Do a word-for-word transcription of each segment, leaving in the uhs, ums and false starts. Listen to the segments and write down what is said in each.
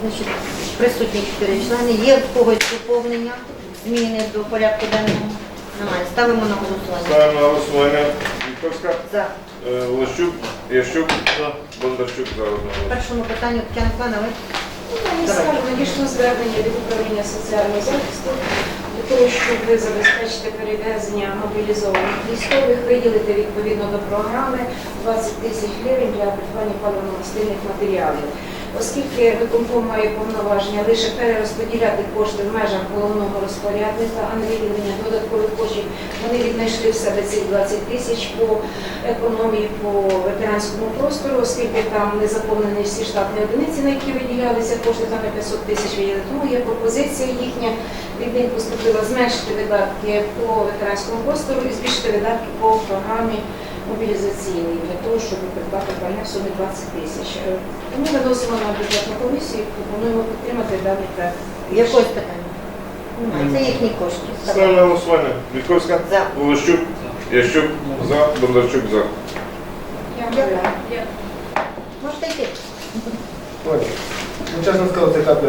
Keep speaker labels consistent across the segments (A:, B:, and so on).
A: Значить, присутні чотири члени. Є в когось доповнення, зміни до порядку денного? Немає. Ставимо на голосування.
B: Ставимо на голосування. Вітковська,
A: За.
B: е, Волощук, Ящук, Бондарчук за одного.
A: В першому питанню Тетяна Планович.
C: Я скажу, надійшло звернення від управління соціального захисту для того, щоб забезпечити перевезення мобілізованих військових, виділити відповідно до програми двадцять тисяч гривень для придбання паливно-мастильних матеріалів. Оскільки виконком має повноваження лише перерозподіляти кошти в межах головного розпорядника, а не виділення додаткових коштів, вони віднайшли в себе ці двадцять тисяч по економії по ветеранському простору, оскільки там не заповнені всі штатні одиниці, на які виділялися кошти, там і п'ятсот тисяч виділили. Тому є пропозиція їхня, від них поступила зменшити видатки по ветеранському простору і збільшити видатки по програмі мобілізаційний для того, щоб придбати пальне в сумі двадцять тисяч. Тому виносимо на бюджетну комісію і пропонуємо підтримати даний проект.
A: Якось питання? Немає. Це їхні кошти.
B: Ставимо на голосування. Вітковська,
A: За.
B: Волощук, Ящук за, Бондарчук за.
C: Дякую.
A: Можете йти.
D: Ой, ну чесно сказати, це КП.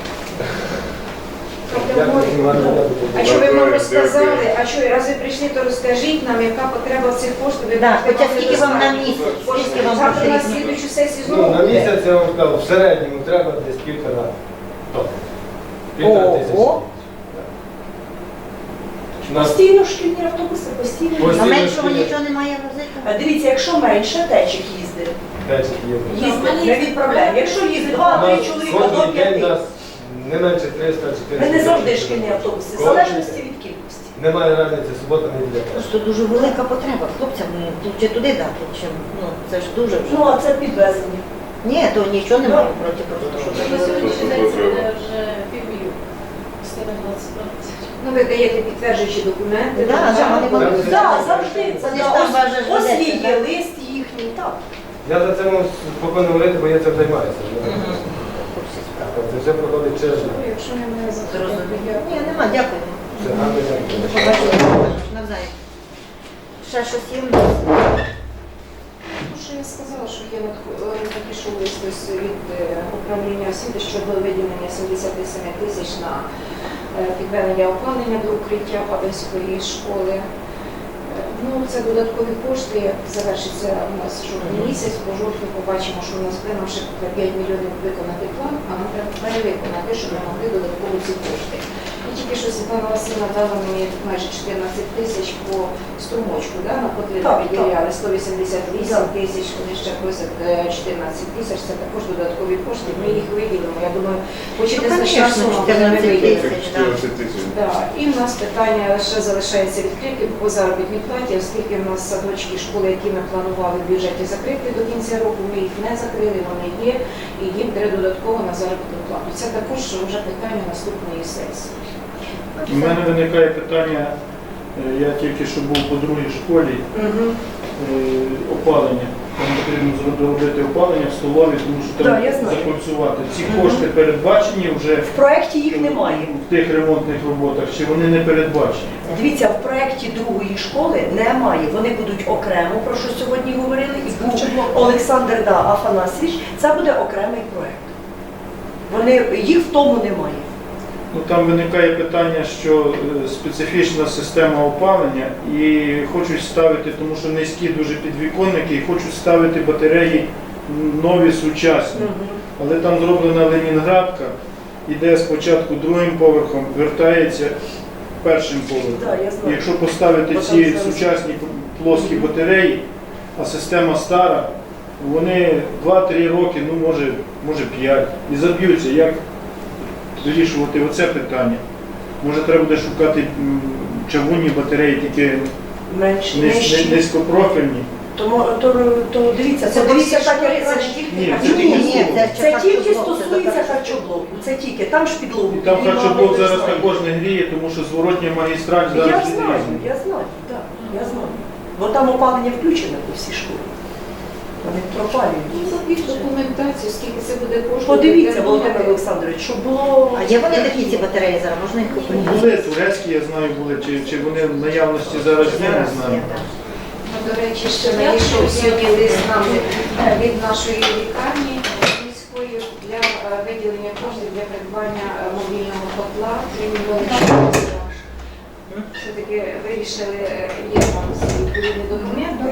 C: А що ви нам розказали? А що, раз ви прийшли, то розкажіть нам, яка потреба в цих коштів?
A: Да, хоча скільки вам на місяць? Скільки вам
C: Завтра на
A: потрібно?
C: слідуючу сесію
D: Ну,
C: знову
D: на
C: буде.
D: місяць, я вам сказав, в середньому треба десь півтора тонн. Півтора тисячі.
A: Ого.
D: У нас
E: Постійно шкільні автобуси, постійно.
A: А
D: Постійно
A: меншого
D: шкільні.
A: нічого немає возити?
E: А дивіться, якщо менше, течик їздить.
D: течик є.
E: Їздить, не відправляємо. Якщо їздить два-три чоловіка до
D: Кожен день
E: п'яти.
D: нас не менше триста-чотириста.
E: Ми не завжди шкільні автобуси, в залежності від кількості.
D: Немає разниці, субота, неділя.
A: Просто дуже велика потреба. Хлопцям ну, чи туди дати, чим ну це ж дуже вже.
E: Ну, а це підвезення.
A: Ні, то нічого немає проти просто, щоб
F: На сьогоднішній день це буде вже півмільйона. сто двадцять тисяч.
C: Ну, ви даєте підтверджуючі документи.
A: Да,
C: так,
A: да, вони
C: так.
A: будуть.
E: Так, завжди. Це
A: Вони ж там важать
E: ось
A: ведеться,
E: є
A: так?
E: лист їхній, так.
D: Я за це можу спокійно говорити, бо я цим займаюся. Це все проходить через мене.
C: Ну, якщо немає
A: Зрозуміло.
C: запитань,
A: Ні, нема, дякую.
D: Все, гарно дякую.
A: До побачення. Навзаєм. Ще щось є?
C: Ну, що я сказала, що є надх- е, надійшов лист ось від е, управління освіти щодо виділення сімдесят сім тисяч на е, підведення опалення до укриття Паданської школи. Е, Ну, це додаткові кошти, як завершиться у нас жовтий місяць, по жовтню побачимо, що у нас буде нам ще п'ять мільйонів виконати план, а нам треба перевиконати, щоб ми могли додатково ці кошти. І тільки що Світлана Васильівна дала мені майже чотирнадцять тисяч по струмочку, да, на потреби
E: Так,
C: виділяли сто вісімдесят вісім
E: Так.
C: тисяч, вони ще просять е, чотирнадцять тисяч, це також додаткові кошти, ми їх виділимо. Я думаю, хоч і
A: Ну,
C: незначна
A: конечно,
C: сума, але ми
A: чотирнадцять
C: виділимо.
A: тисяч.
B: чотирнадцять тисяч.
C: Да. І в нас питання ще залишається відкриті по заробітній платі, оскільки в нас садочки, школи, які ми планували в бюджеті закрити до кінця року, ми їх не закрили, вони є, і їм треба додатково на заробітну плату. Це також вже питання наступної сесії.
G: У мене виникає питання, е, я тільки що був по другій школі,
C: Угу.
G: е, опалення. Там потрібно зробити опалення в столові, тому що
E: Да,
G: там
E: я знаю.
G: закольцювати. Ці
E: Мгм.
G: кошти передбачені вже
E: В проєкті їх немає.
G: в тих ремонтних роботах, чи вони не передбачені?
E: Дивіться, в проєкті другої школи немає. Вони будуть окремо, про що сьогодні говорили, і був Олександр да, Афанасьович. Це буде окремий проєкт. Вони, їх в тому немає.
G: Ну, там виникає питання, що е, специфічна система опалення і хочуть ставити, тому що низькі дуже підвіконники, і хочуть ставити батареї нові, сучасні. Але там зроблена Ленінградка, іде спочатку другим поверхом, вертається першим поверхом.
E: Да, я
G: І
E: знаю.
G: якщо поставити
E: Бо
G: ці
E: там зараз-
G: сучасні плоскі батареї, а система стара, вони два-три роки, ну може, може п'ять, і заб'ються. Як вирішувати оце питання? Може треба буде шукати м, чавунні батареї, тільки
E: Менші,
G: низ-
E: нижчі.
G: низькопрофільні.
E: Тому то, то дивіться,
C: Це
E: подивіться так, як
C: це
E: раніше.
C: ж тільки
G: Ні,
C: харчові.
G: це тільки
A: Ні, це
E: Це
A: харчоблок,
E: тільки
A: це
E: стосується
A: тепер-
E: харчоблоку. Це тільки там ж підлогу.
G: І там
E: піднімали,
G: харчоблок зараз
E: знаєте.
G: також не гріє, тому що зворотня магістраль
E: Я
G: зараз
E: знаю,
G: відрізана.
E: я знаю, так, я знаю. Бо там опалення включене по всій школі. Вони пропалюють.
C: Ну, запіть документацію, скільки це буде коштувати.
E: Подивіться, Володимир Олександрович, щоб було...
A: А є вони такі ці батареї зараз? Можна їх
G: Ну,
A: купити?
G: були турецькі, я знаю, були, чи, чи вони в наявності зараз є, не знаю.
A: є, так.
C: Ну, до речі, ще надійшов сьогодні лист нам від нашої лікарні міської для для е, виділення коштів для придбання е, мобільного котла, три мільйони. Все-таки вирішили, е, є там всі відповідні документи.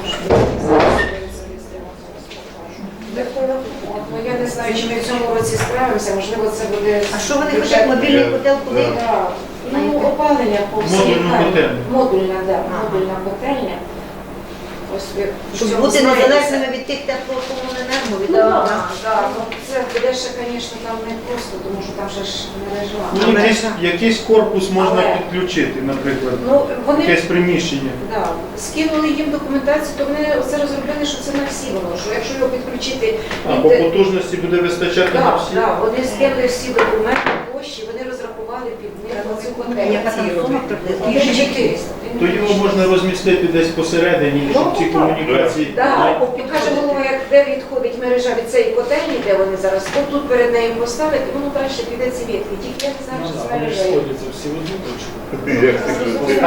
C: От, ну, я не знаю, чи ми в цьому році справимося, можливо, це буде...
A: А що вони
C: бюджет-
A: хочуть? Мобільний котел куди?
C: Так. Ну, опалення по всій
G: Модульну
C: хаті.
G: котельню.
C: Модульна, да,
A: Ага.
C: модульна котельня. Ось ви в
A: Щоб
C: цьому
A: бути
C: знаєте.
A: незалежними від тих теплокомуненерго, від
C: Ну, так,
A: да.
C: так. Ну, це буде ще, звісно, там не просто, тому що там же ж мережа.
G: Ну, якийсь, якийсь корпус можна
C: Але-
G: підключити, наприклад,
C: Ну, вони
G: якесь приміщення.
C: да, скинули їм документацію, то вони це розробили, що це на всі воно, що якщо його підключити,
G: А
C: він
G: по
C: те-
G: потужності буде вистачати на
C: Так,
G: всі.
C: так, вони скинули всі документи, площі, вони розрахували під них цю котельню.
A: Яка там сума приблизно?
C: Він чотириста.
G: То його можна розмістити десь посередині, щоб ці
C: Ну, так.
G: комунікації.
C: Так, каже голова, як де відходить мережа від цієї котельні, де вони зараз, тут перед нею поставити, воно краще піде ці ветки. Тільки я не знаю, що з мережею.
B: Як ти кажеш?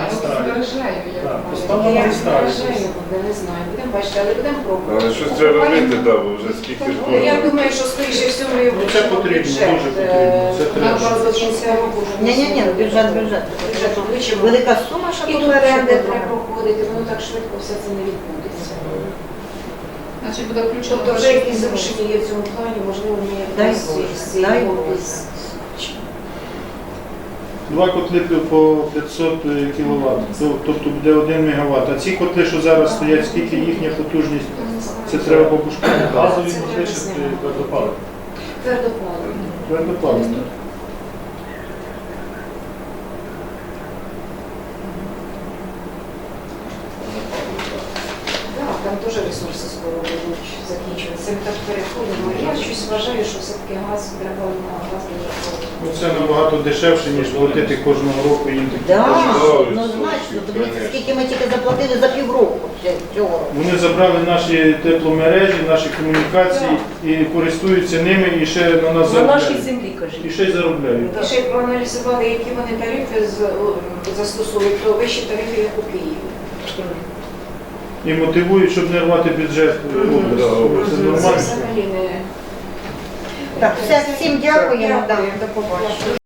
C: Я не мережею буде, не знаю. Будемо бачити, але будемо пробувати.
B: Але щось треба робити, да, бо вже скільки ж
C: Ну, я
B: було.
C: думаю, що скоріше всього ми
G: Ну, це потрібно,
C: бюджет,
G: дуже
C: е,
G: потрібно, це треба.
C: на до кінця року вже
A: Ні-ні-ні,
C: внесемо.
A: бюджет, бюджет.
C: Бюджет включимо.
A: Велика сума, що
C: І
A: тут
C: тут оренди
A: ще
C: треба проходити, воно так швидко все це не відбудеться.
F: Значить буде включено.
C: Тобто вже якісь зрушення є в цьому плані, можливо, ми
A: Дай
C: якось
A: Боже,
C: з цієї
A: дай
C: області.
G: Два котли по п'ятсот кіловат, тобто буде один мегаватт. А ці котли, що зараз стоять, скільки їхня потужність, це треба побушкати.
C: Газові можливо твердопаливні. Твердопаливні.
G: Твердопаливні.
C: Так, там теж ресурси скоро будуть закінчуватися. Ми так переходимо. Я щось вважаю, що все-таки газ треба на газ додатково.
G: Ну, це набагато дешевше, ніж платити кожного року їм такі
A: Да,
G: кошти.
A: однозначно. Подивіться, скільки ми тільки заплатили за півроку цього- цього року.
G: Вони забрали наші тепломережі, наші комунікації і користуються ними і ще на нас
E: На нашій
G: заробляють.
E: землі,
G: І
E: кажіть.
G: ще й заробляють.
C: І ще й проаналізували, які вони тарифи з- о, застосовують, то вищі тарифи, як у Києві.
G: І мотивують, щоб не рвати бюджет області. Це
C: Це
G: нормально.
C: взагалі не...
A: Так, все, всім дякуємо. Да,
C: Дякую.
A: до побачення.